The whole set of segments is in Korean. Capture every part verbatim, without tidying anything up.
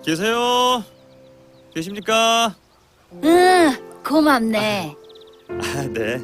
계세요? 계십니까? 응, 고맙네. 아, 네.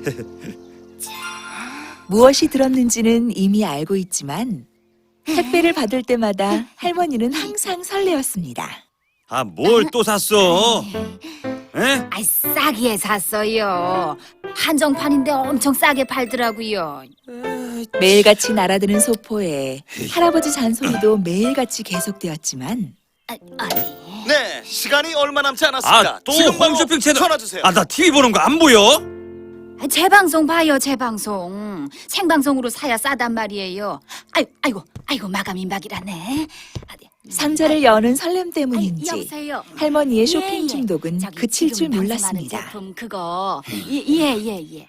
무엇이 들었는지는 이미 알고 있지만 택배를 받을 때마다 할머니는 항상 설레었습니다. 아, 뭘 또 샀어? 에? 아이, 싸게 샀어요. 한정판인데 엄청 싸게 팔더라고요. 매일같이 날아드는 소포에 할아버지 잔소리도 매일같이 계속되었지만 아, 아니. 네, 시간이 얼마 남지 않았습니다. 아, 또 지금 바로 홈쇼핑 채널. 전화 주세요. 아, 나 티비 보는 거 안 보여? 아, 재방송 봐요, 재방송. 생방송으로 사야 싸단 말이에요. 아이고, 아이고, 아이고, 마감 임박이라네. 아, 네. 상자를 여는 설렘 아이, 때문인지 여보세요. 할머니의 쇼핑 예, 예. 중독은 저기 그칠 줄 지금 방송하는 몰랐습니다. 제품 그거. 예, 예, 예, 예.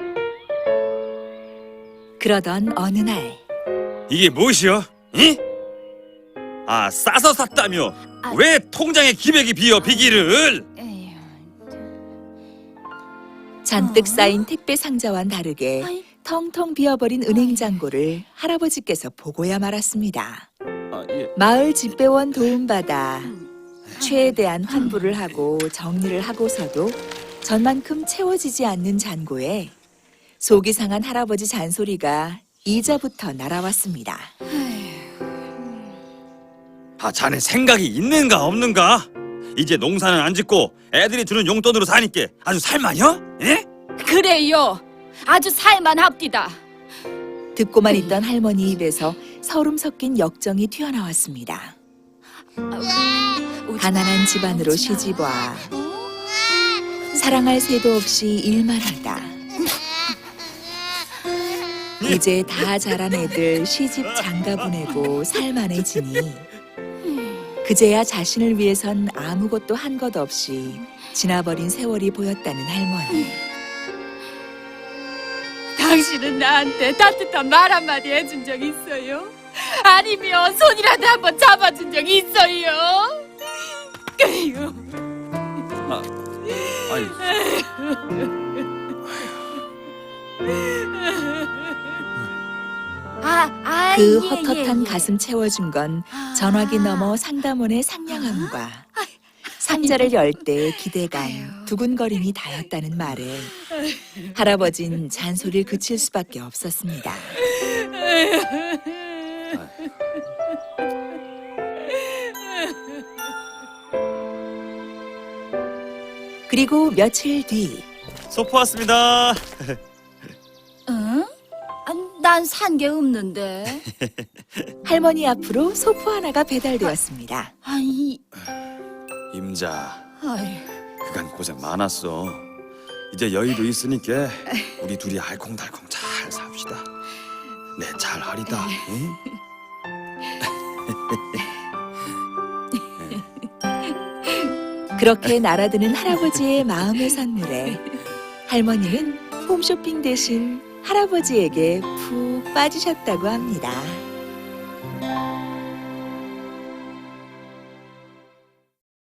그러던 어느 날 이게 무엇이여? 이? 아, 싸서 샀다며. 아. 왜 통장에 기백이 비어 비기를? 에휴. 잔뜩 어? 쌓인 택배 상자와는 다르게 아이. 텅텅 비어버린 은행 잔고를 할아버지께서 보고야 말았습니다. 아, 예. 마을 집배원 도움받아 음. 최대한 환불을 하고 정리를 하고서도 전만큼 채워지지 않는 잔고에 속이 상한 할아버지 잔소리가 이자부터 날아왔습니다. 아, 자네 생각이 있는가 없는가? 이제 농사는 안 짓고 애들이 주는 용돈으로 사니까 아주 살만혀? 예? 그래요. 아주 살만합디다. 듣고만 있던 할머니 입에서 서름 섞인 역정이 튀어나왔습니다. 가난한 집안으로 시집와 사랑할 새도 없이 일만 하다. 이제 다 자란 애들 시집 장가 보내고 살만해지니 그제야 자신을 위해선 아무것도 한 것 없이 지나버린 세월이 보였다는 할머니. 당신은 나한테 따뜻한 말 한마디 해준 적 있어요? 아니면 손이라도 한번 잡아준 적 있어요? 그리고 아, 아니. 아, 아, 그 예, 헛헛한 예, 예. 가슴 채워준 건 아. 전화기 너머 상담원의 상냥함과 상자를 열 때 기대감, 두근거림이 다였다는 말에 할아버진 잔소리를 그칠 수밖에 없었습니다. 그리고 며칠 뒤 소포 왔습니다. 응? 난 산 게 없는데. 할머니 앞으로 소포 하나가 배달되었습니다. 아이, 임자, 아이. 그간 고생 많았어. 이제 여유도 있으니까 우리 둘이 알콩달콩 잘 삽시다. 내 잘하리다. 응? 그렇게 날아드는 할아버지의 마음의 선물에 할머니는 홈쇼핑 대신 할아버지에게 푹 빠지셨다고 합니다.